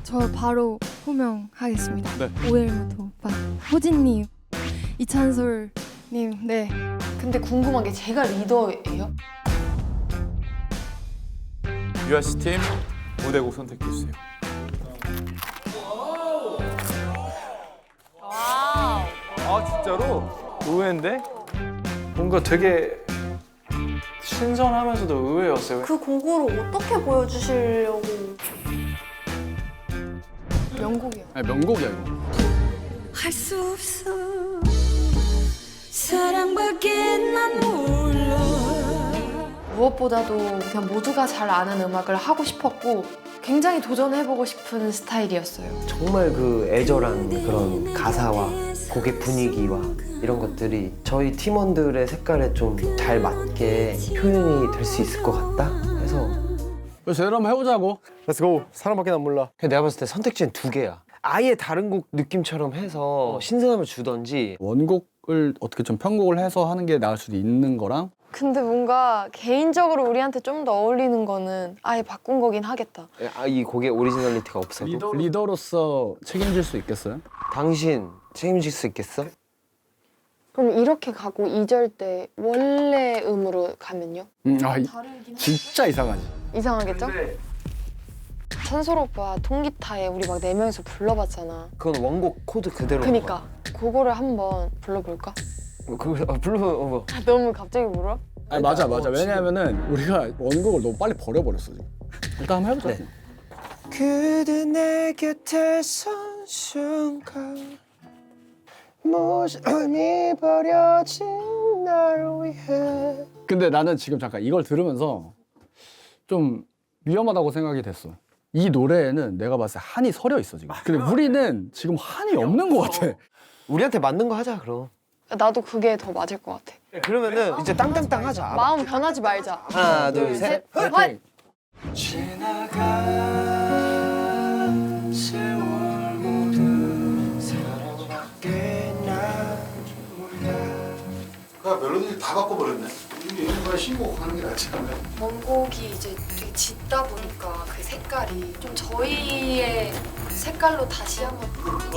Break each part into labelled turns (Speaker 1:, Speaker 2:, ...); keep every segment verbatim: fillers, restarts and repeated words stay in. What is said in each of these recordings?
Speaker 1: 저 바로 호명하겠습니다.
Speaker 2: 네.
Speaker 1: 오엘무토 오빠, 호진님, 이찬솔님. 네.
Speaker 3: 근데 궁금한 게 제가 리더예요?
Speaker 2: 유아 씨 팀 무대곡 선택해 주세요. 아 진짜로? 의외인데?
Speaker 4: 뭔가 되게 신선하면서도 의외였어요.
Speaker 5: 그 곡으로 어떻게 보여주시려고.
Speaker 1: 명곡이요.
Speaker 2: 아니 명곡이야 이거.
Speaker 6: 할 수 없어 사랑밖에 난 몰라.
Speaker 3: 무엇보다도 그냥 모두가 잘 아는 음악을 하고 싶었고 굉장히 도전해보고 싶은 스타일이었어요.
Speaker 7: 정말 그 애절한 그런 가사와 곡의 분위기와 이런 것들이 저희 팀원들의 색깔에 좀 잘 맞게 표현이 될 수 있을 것 같다 해서
Speaker 2: 제대로 한번 해보자고.
Speaker 4: Let's go. 사랑밖에 난 몰라.
Speaker 7: 내가 봤을 때 선택지는 두 개야. 아예 다른 곡 느낌처럼 해서 신선함을 주던지
Speaker 2: 원곡을 어떻게 좀 편곡을 해서 하는 게 나을 수도 있는 거랑
Speaker 3: 근데 뭔가 개인적으로 우리한테 좀 더 어울리는 거는 아예 바꾼 거긴 하겠다.
Speaker 7: 아, 이 곡에 오리지널리티가 없어도
Speaker 2: 리더, 리더로서 책임질 수 있겠어요?
Speaker 7: 당신 책임질 수 있겠어?
Speaker 3: 그럼 이렇게 가고 이 절 때 원래 음으로 가면요?
Speaker 2: 음, 아 이, 진짜 이상하지.
Speaker 3: 이상하겠죠? 찬솔 오빠 통기타에 우리 막 네 명이서 불러봤잖아.
Speaker 7: 그건 원곡 코드 그대로
Speaker 3: 그니까 그거를 한번 불러볼까?
Speaker 7: 그거 어, 불러 어,
Speaker 3: 아, 너무 갑자기 물어?
Speaker 2: 아니 맞아 맞아. 왜냐하면은 우리가 원곡을 너무 빨리 버려버렸어 지금. 일단 한번 해보자.
Speaker 7: 네. 그대 내 곁에 선 순간 모습이 버려진 날 위해
Speaker 2: 근데 나는 지금 잠깐 이걸 들으면서 좀 위험하다고 생각이 됐어. 이 노래에는 내가 봤을 때 한이 서려 있어 지금. 근데 우리는 지금 한이 없는 것 같아.
Speaker 7: 우리한테 맞는 거 하자 그럼.
Speaker 3: 나도 그게 더 맞을 것 같아.
Speaker 7: 그러면은 이제 땅땅땅 하자.
Speaker 3: 마음 변하지 말자.
Speaker 7: 하나 둘 셋.
Speaker 3: 화이팅!
Speaker 7: 지나간 세월 모두 사랑밖에 난 몰라.
Speaker 8: 그냥 멜로디를 다 바꿔버렸네. 이게 이런 신곡하는 게 낫지 않나요?
Speaker 9: 원곡이 이제 되게 짙다 보니까 그 색깔이 좀 저희의 색깔로 다시 한번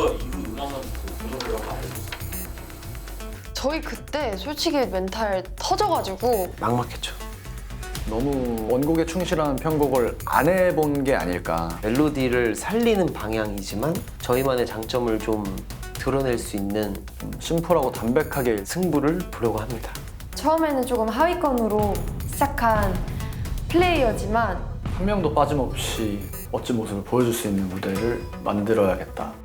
Speaker 3: 저희 그때 솔직히 멘탈 터져가지고
Speaker 7: 막막했죠.
Speaker 4: 너무 원곡에 충실한 편곡을 안 해본 게 아닐까.
Speaker 7: 멜로디를 살리는 방향이지만 저희만의 장점을 좀 드러낼 수 있는
Speaker 4: 심플하고 담백하게
Speaker 7: 승부를 보려고 합니다.
Speaker 3: 처음에는 조금 하위권으로 시작한 플레이어지만
Speaker 4: 한 명도 빠짐없이 멋진 모습을 보여줄 수 있는 무대를 만들어야겠다.